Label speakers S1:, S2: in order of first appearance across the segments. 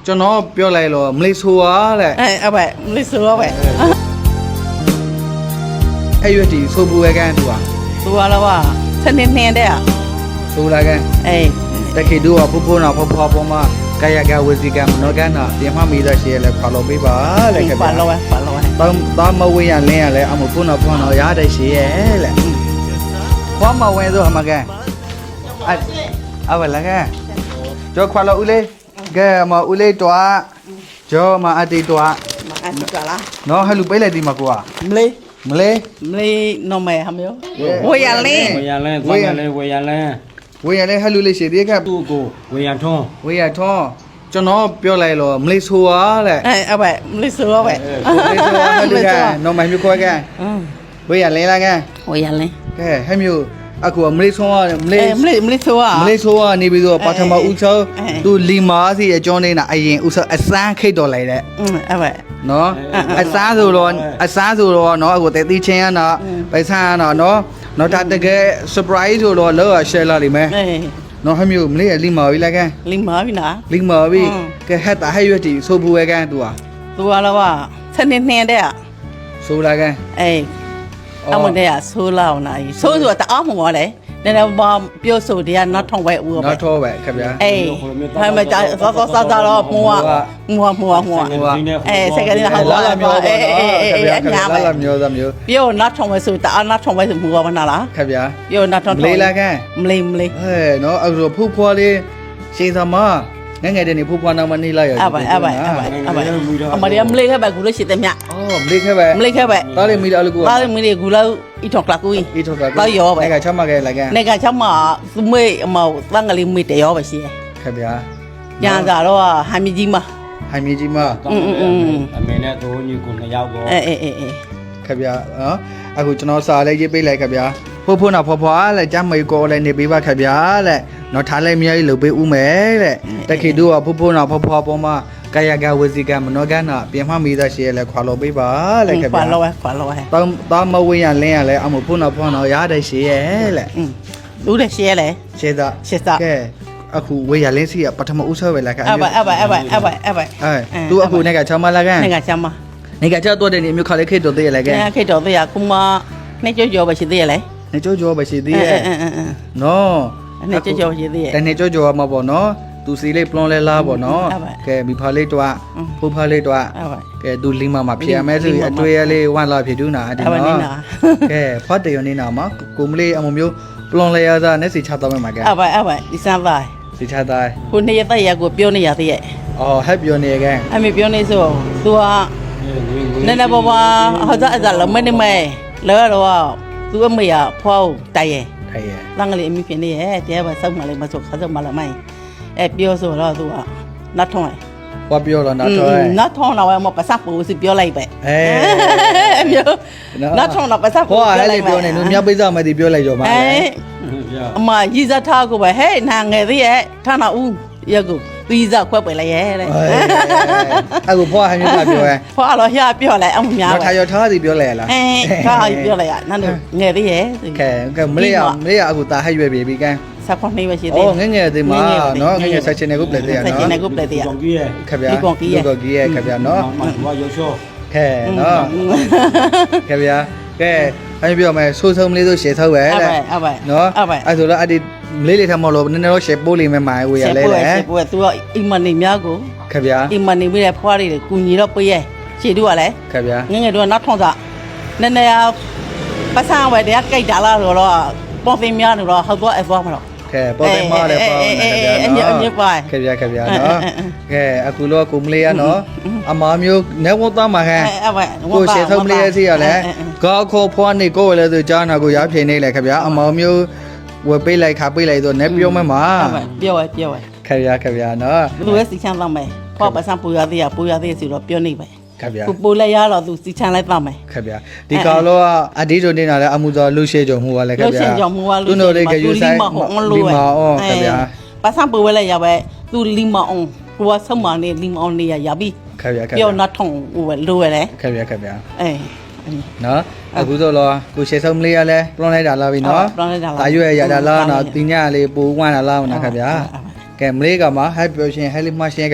S1: ကျွန်တော်ပြောလိုက်လို့မလေးဆိုပါတဲ့
S2: အဲ့ပဲမလေးဆိုတော့ပဲ
S1: အဲ့ရွက်တီဆိုပူဝဲကန်သူက
S2: သူကတော့စနေနေတဲ့
S1: ဆိုလာကန်
S2: အေး
S1: တခေတူကဖဖိုးနာဖဖွားပေါ်မှာကာယကဝစီကံမနောကနာပြင်မမိသားရှိရလဲဖာလို့ပေးပါတဲ့ခင်ဗျာ
S2: ပါလို့ပဲ
S1: တောင်းမဝေးရလင်းရလဲအမဖုန်းတော်ဖုန်းတော်ရတဲ့ရှိရဲ့လေဖွားမဝဲဆိုအမကန်အဝလာကန်ကျော်ခွာလို့ဦးလေးကဲမဦးလေးတော့ကျော်မအတီတော့
S2: အဲ့ဒီကလား
S1: နော်ဟဲ့လူပေးလိုက်ဒီမှာကိုက
S2: မလေး
S1: မလေး
S2: နော်မဲဟမယောဝေးရလင်း
S3: ဝေယံလဲသွားရလဲဝေယံလဲ
S1: ဝေးရလဲဟဲ့လူလေးရှိသေးက
S3: သူ့ကိုဝေယံထွန်း
S1: ဝေးရထွန်းကျွန်တော်ပြောလိုက်လို့မလေးဆိုပါတဲ့
S2: အဲ့ပဲမလေးဆိုတော့ပဲ
S1: မလေးဆိုပါဟဲ့လူကနော်မိုင်မျိုးခွဲကန်ဝေးရလင်းလာကန်
S2: ဝေးရလင်း
S1: ကဲဟဲ့မျိုးအခုမလေးဆိုရမလေး
S2: မလေးဆို
S1: မလေးဆိုကနေပြီးတော့ပထမဦးဆုံးသူလီမာစီအကျောင်းနေတာအရင်ဦးဆုံးအစမ်းခိတ်တော်လိုက်တဲ့
S2: အဲ့ပဲ
S1: နော်အစားဆိုတော့နော်အခုတဲတီချင်းရနော်ပိုက်ဆံရနော်နော်ဒါတကယ် surprise ဆိုတော့လော share လာလိမ့်မယ်
S2: အေး
S1: နော်ဟမျိုးမလေးလီမာပြီလားကန်
S2: လင်းမာပြီနာ
S1: လီမာပြီကဲဟက်တာဟဲ့ရွက်တီဆိုဘူးဝဲကန်သူဟာ
S2: သူကတော့စနေနေတဲ့
S1: ဆိုလာကန်
S2: အေးအမတဲ့ဆိုးလောက်နိုင်ဆိုးဆိုတာတအားမော်လေနည်းနည်းဘာပြောဆိုတရားနောက်ထောင်ပဲဦးပဲ
S1: နောက်ထောပဲခင်ဗျာ
S2: အေးဒါမှကြာစောတော့မွာအေးစက်ကလေးဟာ
S1: လာလာမျိုးပါနော်ခင်ဗျာ
S2: ညာ
S1: လာ
S2: ပဲ
S1: လာမျိုးသားမျိုး
S2: ပြောနောက်ထောင်ပဲဆိုတအားနောက်ထောင်ပဲဆိုမူပါမနာလား
S1: ခင်ဗျာ
S2: ပြောနောက်ထောင်
S1: မလေးလာကန်
S2: မလေး
S1: ဟဲ့နော်အခုဖူးဖွားလေးရှင်းသမားငယ်ငယ်တည်းနေဖူးဖွားနောက်မနေလိုက်ရ
S2: အဘအမရီမလေးခဲ့ပဲကူလို့ရှိတယ်မြ
S1: အော်မလေးခဲ့ပဲ
S2: မလေးခဲ့ပဲ
S1: တားလေးမိတာလို့ကို
S2: ဘာမလေးကူလို့ဤထောက်ကလာကူ
S1: အေးထောက်က
S2: တော့ရောပဲ
S1: ကချမ်းမခဲ့လိုက်ကန်
S2: နေကချမ်းမသူမေးအမောတန်းကလေးမေးတရောပဲရှိရ
S1: ခင်ဗျာ
S2: ညာသာတော့ဟမ်မီကြီးမ
S1: ဟိုင်မီကြီးမ
S3: အမေနဲ့သူညီကိုနှစ်ယောက်ကို
S2: အေး
S1: ခင်ဗျာနော်အခုကျွန်တော်စာလေးရေးပေးလိုက်ခင်ဗျာဖိုးနာဖွားလက်ကြမ်းမေကိုလည်းနေပေးပါခင်ဗျာလက်နော်ထားလိုက်မြေကြီးလုပ်ပေးဦးမယ်တဲ့တခေတူကဖိုးနာဖွားပေါ်မှာကာယကဝစီကံမနောကနာပြင်မမိသားရှိရလဲခွာလို့ပေးပါလက်ခင်ဗျာ
S2: ခွာလို့
S1: တောင်းမဝေးရလင်းရလဲအမဖုန်းတော်ဖုန်းတော်ရတဲ့ရှိရဲ့လက်
S2: လူတဲ့ရှဲလေ
S1: ရှင်းသား
S2: ရှင်းသား
S1: ကဲအခုဝေးရလင်းစီကပထမဦးဆွဲပဲလက်ခင်
S2: အဘ
S1: သူအခုနေကချမ်းမလာကန်
S2: နေကချမ်းမ
S1: နေကချတော့တဲ့နေမျိုးခါလေးခိတ်တော့သေးရလဲကန်
S2: နေခေတော်တရားကုမနေကြောပဲရှိသေးရလေ
S1: နေကြောပဲရှိသေးရဲ့နော်
S2: နေကြောရှိသေးရ
S1: တနေ့ကြောမှာပေါ့နော်သူစီလေးပလွန်လဲလားပေါ့နော်ကဲမိဖာလေးတော့ဖိုးဖာလေးတော့ကဲသူလင်းမဖြစ်ရမဲဆိုအတွေ့ရလေးဝမ်းလာဖြစ်တူးနာအဒီနော်ကဲဖတ်တယ်ရနေတာမှာကိုမလေးအမမျိုးပလွန်လဲရတာနဲ့စီချတော့မှာကဲ
S2: အဘဒီစမ်းသား
S1: စီချသား
S2: ကိုနေရတဲ့ရကိုပြောနေရသေးရဲ့
S1: အော်ဟက်ပြောနေကန်
S2: အမေပြောနေဆိုသူကနည်းနည်းပေါ်မှာဟောစားအစားလုံးမနေမဲလဲတော့သူအမေကဖွားတိုင်ရဲ့
S1: ထိုင်ရဲ့
S2: လမ်းကလေးအမိဖြစ်နေရဲ့တရားပဲစောက်မှလည်းမဆိုခါစောက်မှလည်းမိုင်းအဲပြောဆိုတော့သူကနတ်ထုံး
S1: ဘာပြောတော့နောက်တော့
S2: နတ်ထုံးတော့မပတ်စပ်ပူစီပြောလိုက်ပဲ
S1: အဲ
S2: မျိုးနတ်ထုံးတော့ပတ်စပ်ပူ
S1: ဟောဟဲ့လေပြောနေလူမြောက်ပိစားမယ်ဒီပြောလိုက်တော့မှာ
S2: အမရီဇာထားကိုပဲဟဲ့နာငယ်သေးရဲ့ထားနာဦးရက်ကိုသူရီဇာခွက်ပဲလိုက်ရဲ့တဲ့
S1: အခုဖွားဟန်မျိုးပြောရဲ
S2: ဖွာတော့ရပြောလိုက်အောင်များ
S1: တော့ထားရထားစီပြောလိုက်ရလား
S2: ခါပြောလိုက်ရနန်းငယ်သေးရဲ့
S1: ကဲမလေးရအခုတာဟဲ့ရွယ်ပြီကန်
S2: ဆက်ခွန်နေပဲရှိသေး
S1: အော်ငငယ်သေးမှာနော်ငငယ်ဆက်ချင်တဲ့ကုပလက်သေးရနော်
S2: ဆက်ချင်တဲ့ကုပလက်သေးရ
S3: ကောင်ကြီးရဲ့
S1: ခဗျာကိုကြီးရဲ့ခဗျာနော်
S3: မမရုပ်ရှော
S1: ခဲနော်ခဗျာကဲအဲ့ပြောမယ်ဆိုးဆုံးလေးဆိုရှယ်ထောက်ပဲတဲ့နော်အဲ့ဆိုတော့အဲ့ဒီမလေးလေးထမလို့နည်းနည်းတော့ရှယ်ပိုးလိမ့်မယ်မှာဝေရလဲလေ
S2: ရှယ်ပိုးသူကအီမန်နေများကို
S1: ခဗျာ
S2: အီမန်နေပြီးတဲ့ဖွားတွေကူညီတော့ပေးရဲ့ရှည်တို့ကလည်း
S1: ခဗျာ
S2: ငငယ်တို့ကနောက်ထုံးစားနည်းနည်းပတ်စံဝယ်တရားကြိုက်တာလားဆိုတော့ပေါ်သိများနေတော့ဟောက်တော့အသွားမလို့
S1: ကဲပေါ်တယ်မားတယ်ပေါ့နော်ခဗျာနော်ကဲအခုတော့ကိုမလေးရနော်အမားမျိုးနေဝတ်သားမှာဟဲ့ကိုရှယ်ထုံးလေးရစီရလဲကောက်ခေါ်ဖွားနေကိုလည်းဆိုကြားနာကိုရဖြေနေလေခဗျာအမားမျိုးဝယ်ပေးလိုက်ခါပေးလိုက်ဆိုနေပြောမှမှာ
S2: ပြောရ
S1: ခဗျာနော်
S2: သူရဲ့စီချမ်းတော့မယ်ဖွားပတ်စံပူရသေးဆိုတော့ပြောနေပဲ
S1: ခဗျာ
S2: ကိုပိုးလိုက်ရတော့သူစီချမ်းလိုက်တော့မယ်
S1: ခဗျာဒီကောင်တော့အဒီတို့နေတာလဲအမှုတော်လူရှိကြုံမှုပါလဲခဗျာ
S2: လို့ရှင်ကြောင့်မူဝါ
S1: သူတို့လေးကယူဆိုင်လီမာအော်ခဗျာ
S2: ပတ်စံပူဝဲလိုက်ရပဲသူလီမာအောင်ကိုကဆုံးမနေလီမာအောင်နေရပြီ
S1: ခဗျာ
S2: ပြောနတ်ထုံဟိုလိုရလေ
S1: ခဗျာ
S2: အေး
S1: နော်အခုဆိုတော့ကိုရှေဆုံးလေးရလဲပလွန်လိုက်တာလားပြီနော်တာရွယ်ရတာလားနော်တင်ညလေးပူဝမ်းတာလားနော်ခဗျာကဲမလေးကမှာဟဲ့ပြောရှင်ဟဲ့လေးမရှင်းခဗျာ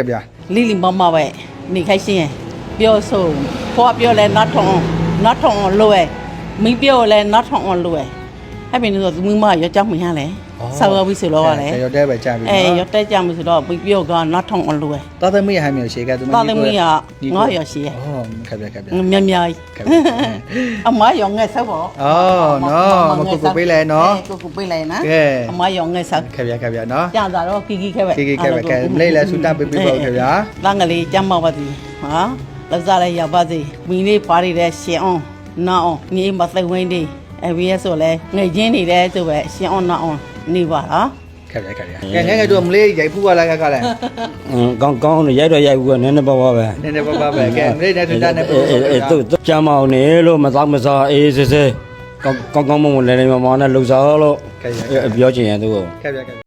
S2: လိလိမမပဲနေခိုင်းရှင်းပြောဆိုဖွာပြောလဲ not ထုံလွယ်မိပြောလဲ not ထုံလွယ်အဲ့ပြင်ဆိုသူမရောကြောက်မှရလဲဆောက်ရပြီဆိုတော့လေ
S1: ရောတဲပဲကြာပြီ
S2: ရောတဲကြမှုဆိုတော့မိပြောက not ထုံလွယ်
S1: တာသမီးဟမ်းမျိုးရှေကသူ
S2: တာသမီးကငါရရှိရ
S1: အော်ခက်ပြခက်ပြ
S2: မြမြအမရောငဲဆောက်ပေါ့
S1: အော်နော်မကူပေးလဲနော်
S2: ကိုပေးလိုက်နော်
S1: ကဲ
S2: အမရောငဲဆောက်
S1: ခက်ပြနော်
S2: ကြာတာတော့ကီခဲပဲ
S1: ကဲမလေးလဲဆူတပေးပေးပါခက်ပြ
S2: လငလေးကြမ်းပါပါသည်ဟာလောက်စားလိုက်ရပါစေမိလေးပါရတဲ့ရှင်အောင်နာအောင်ညီမသိဝင်းဒီအဘီရဲ့ဆိုလဲငိတ်ချင်းနေတဲ့ဆိုပဲရှင်အောင်နာအောင်နေပါလား
S1: ခက်ပြငယ်တို့မလေးရိုက်ဖူးပါလားကလည်း
S3: ကောင်းကောင်းရိုက်တော့ရိုက်ဘူးကနည်းနည်းပါးပါပဲ
S1: နည်းနည်းပါပဲကဲမလေးနဲ့ဆူတနဲ့ပို့
S3: သူကြမ်းမအောင်နေလို့မသောမစားအေးစစ်စစ်ကောင်းကောင်းမွန်မွန်လဲလဲမမောင်နဲ့လှူစားလို့
S1: ခက်ပြ
S3: ပြောချင်ရင်သူ့ကို
S1: ခက်ပြ